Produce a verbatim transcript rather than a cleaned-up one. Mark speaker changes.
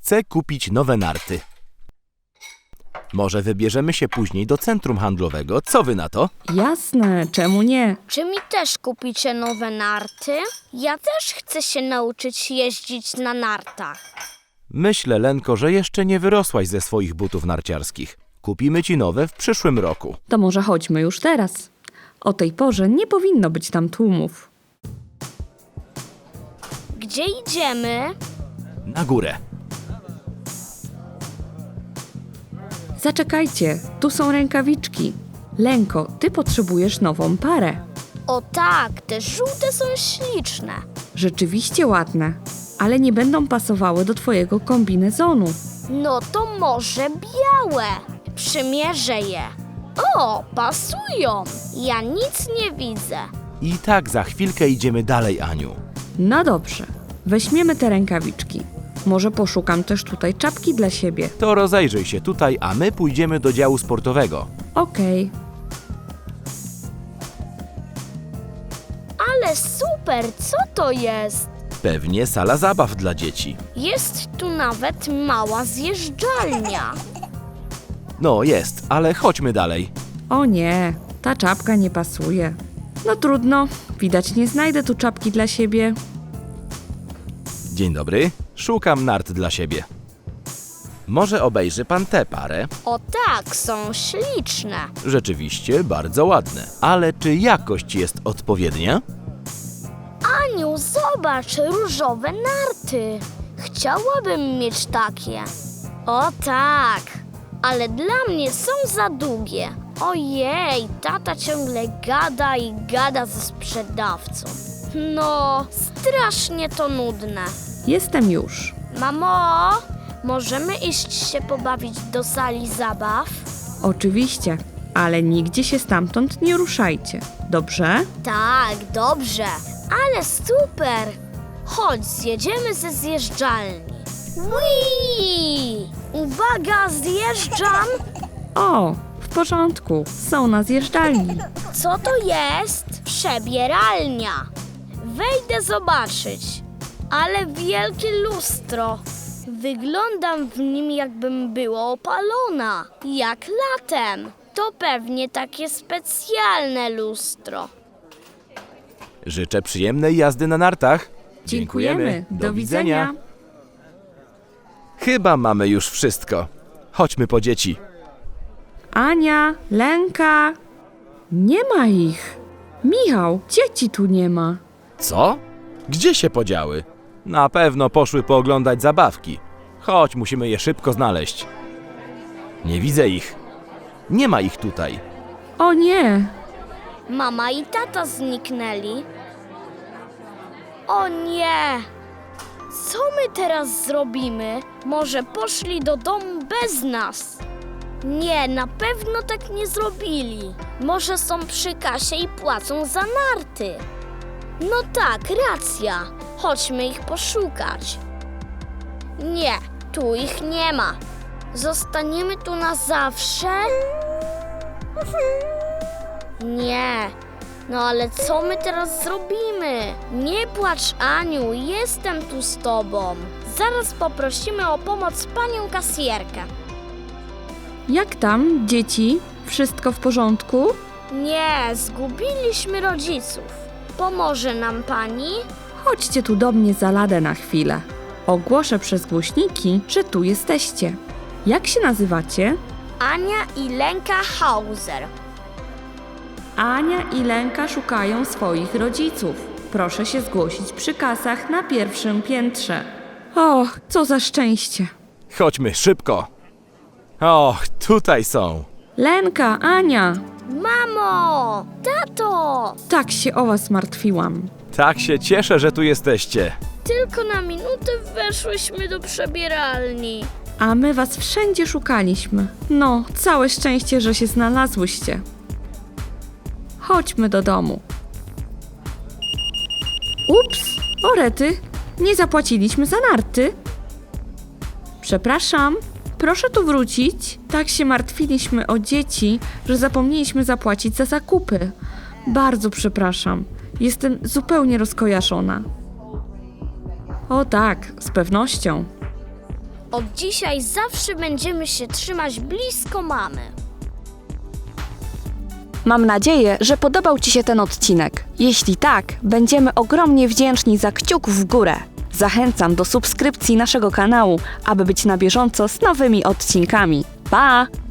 Speaker 1: Chcę kupić nowe narty. Może wybierzemy się później do centrum handlowego. Co wy na to?
Speaker 2: Jasne, czemu nie?
Speaker 3: Czy mi też kupicie nowe narty? Ja też chcę się nauczyć jeździć na nartach.
Speaker 1: Myślę, Lenko, że jeszcze nie wyrosłaś ze swoich butów narciarskich. Kupimy ci nowe w przyszłym roku.
Speaker 2: To może chodźmy już teraz. O tej porze nie powinno być tam tłumów.
Speaker 3: Gdzie idziemy?
Speaker 1: Na górę.
Speaker 2: Zaczekajcie, tu są rękawiczki. Lenko, ty potrzebujesz nową parę.
Speaker 3: O tak, te żółte są śliczne.
Speaker 2: Rzeczywiście ładne, ale nie będą pasowały do twojego kombinezonu.
Speaker 3: No to może białe. Przymierzę je. O, pasują. Ja nic nie widzę.
Speaker 1: I tak za chwilkę idziemy dalej, Aniu.
Speaker 2: No dobrze, weźmiemy te rękawiczki. Może poszukam też tutaj czapki dla siebie.
Speaker 1: To rozejrzyj się tutaj, a my pójdziemy do działu sportowego.
Speaker 2: Okej.
Speaker 3: Ale super, co to jest?
Speaker 1: Pewnie sala zabaw dla dzieci.
Speaker 3: Jest tu nawet mała zjeżdżalnia.
Speaker 1: No jest, ale chodźmy dalej.
Speaker 2: O nie, ta czapka nie pasuje. No trudno, widać nie znajdę tu czapki dla siebie.
Speaker 1: Dzień dobry, szukam nart dla siebie. Może obejrzy pan tę parę?
Speaker 3: O tak, są śliczne.
Speaker 1: Rzeczywiście bardzo ładne. Ale czy jakość jest odpowiednia?
Speaker 3: Aniu, zobacz, różowe narty. Chciałabym mieć takie. O tak, ale dla mnie są za długie. Ojej, tata ciągle gada i gada ze sprzedawcą. No, strasznie to nudne.
Speaker 2: Jestem już.
Speaker 3: Mamo, możemy iść się pobawić do sali zabaw?
Speaker 2: Oczywiście, ale nigdzie się stamtąd nie ruszajcie. Dobrze?
Speaker 3: Tak, dobrze, ale super. Chodź, zjedziemy ze zjeżdżalni. Whee! Uwaga, zjeżdżam.
Speaker 2: O, w porządku, są na zjeżdżalni.
Speaker 3: Co to jest? Przebieralnia. Wejdę zobaczyć. Ale wielkie lustro. Wyglądam w nim, jakbym była opalona. Jak latem. To pewnie takie specjalne lustro.
Speaker 1: Życzę przyjemnej jazdy na nartach.
Speaker 2: Do widzenia.
Speaker 1: Chyba mamy już wszystko. Chodźmy po dzieci.
Speaker 2: Ania, Lenka. Nie ma ich. Michał, dzieci tu nie ma.
Speaker 1: Co? Gdzie się podziały? Na pewno poszły pooglądać zabawki. Chodź, musimy je szybko znaleźć. Nie widzę ich. Nie ma ich tutaj.
Speaker 2: O nie,
Speaker 3: Mama i tata zniknęli. O nie! Co my teraz zrobimy? Może poszli do domu bez nas? Nie, na pewno tak nie zrobili. Może są przy kasie i płacą za narty. No tak, racja. Chodźmy ich poszukać. Nie, tu ich nie ma. Zostaniemy tu na zawsze? Nie. No ale co my teraz zrobimy? Nie płacz, Aniu, jestem tu z tobą. Zaraz poprosimy o pomoc panią kasjerkę.
Speaker 2: jak tam, dzieci? Wszystko w porządku?
Speaker 3: Nie, zgubiliśmy rodziców. Pomoże nam pani?
Speaker 2: Chodźcie tu do mnie za ladę na chwilę. Ogłoszę przez głośniki, że tu jesteście. Jak się nazywacie?
Speaker 3: Ania i Lenka Hauser.
Speaker 2: Ania i Lenka szukają swoich rodziców. Proszę się zgłosić przy kasach na pierwszym piętrze. Och, co za szczęście.
Speaker 1: Chodźmy szybko. Och, tutaj są.
Speaker 2: Lenka, Ania,
Speaker 3: Mamo! Tato!
Speaker 2: tak się o was martwiłam.
Speaker 1: Tak się cieszę, że tu jesteście.
Speaker 3: Tylko na minutę weszłyśmy do przebieralni.
Speaker 2: A my was wszędzie szukaliśmy. No, całe szczęście, że się znalazłyście. Chodźmy do domu. Ups, orety, nie zapłaciliśmy za narty. Przepraszam, proszę tu wrócić. Tak się martwiliśmy o dzieci, że zapomnieliśmy zapłacić za zakupy. Bardzo przepraszam, jestem zupełnie rozkojarzona. O tak, z pewnością.
Speaker 3: Od dzisiaj zawsze będziemy się trzymać blisko mamy.
Speaker 4: Mam nadzieję, że podobał Ci się ten odcinek. Jeśli tak, będziemy ogromnie wdzięczni za kciuk w górę. Zachęcam do subskrypcji naszego kanału, aby być na bieżąco z nowymi odcinkami. Pa!